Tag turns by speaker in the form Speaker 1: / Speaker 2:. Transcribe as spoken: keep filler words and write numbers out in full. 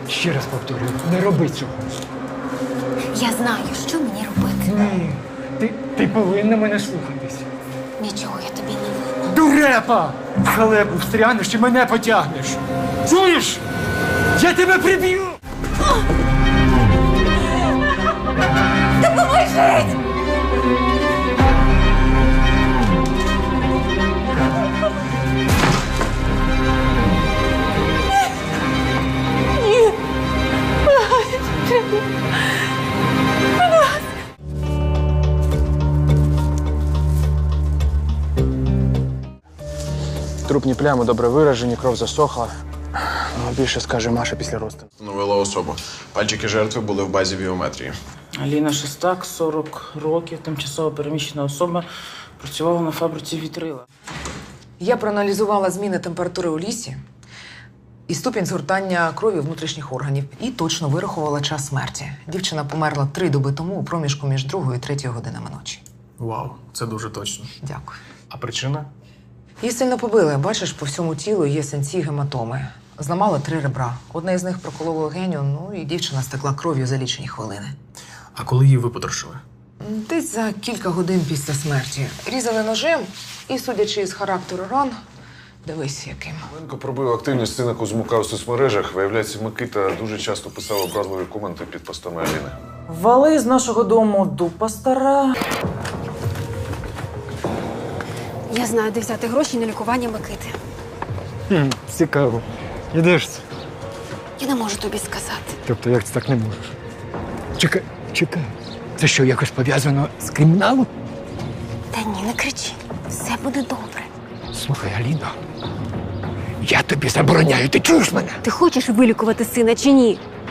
Speaker 1: Ще раз повторюю, не роби цього.
Speaker 2: Я знаю, що мені робити.
Speaker 1: Ні, ти, ти повинна мене слухатись.
Speaker 2: Нічого я тобі не винна.
Speaker 1: Дурепа! В халепу встрянеш і мене потягнеш. Чуєш? Я тебе приб'ю!
Speaker 2: Допоможіть!
Speaker 3: Трупні плями добре виражені, кров засохла. Ну, більше скаже Маша після розтину.
Speaker 4: Встановила особу. Пальчики жертви були в базі біометрії.
Speaker 5: Аліна Шестак, сорок років, тимчасово переміщена особа, працювала на фабриці вітрила.
Speaker 6: Я проаналізувала зміни температури у лісі і ступінь згортання крові внутрішніх органів і точно вирахувала час смерті. Дівчина померла три доби тому у проміжку між другою і третьою годинами ночі.
Speaker 3: Вау, це дуже точно.
Speaker 6: Дякую.
Speaker 3: А причина?
Speaker 6: Її сильно побили. Бачиш, по всьому тілу є синці, гематоми. Зламала три ребра. Одне з них прокололо легеню, ну і дівчина стекла кров'ю за лічені хвилини.
Speaker 3: А коли її випотрошили?
Speaker 6: Десь за кілька годин після смерті. Різали ножем і, судячи з характеру ран, дивись яким.
Speaker 7: Ленко пробив активність сина Кузьмука у соцмережах. Виявляється, Микита дуже часто писав образливі коменти під постами Аліни.
Speaker 5: Вали з нашого дому дупа стара.
Speaker 2: Я знаю, де взяти гроші на лікування Микити.
Speaker 1: Хм, цікаво. І де ж це?
Speaker 2: Я не можу тобі сказати.
Speaker 1: Тобто, як це так не можеш? Чекай, чекай. Це що, якось пов'язано з криміналом?
Speaker 2: Та ні, не кричи. Все буде добре.
Speaker 1: Слухай, Аліно, я тобі забороняю, ти чуєш мене?
Speaker 2: Ти хочеш вилікувати сина чи ні?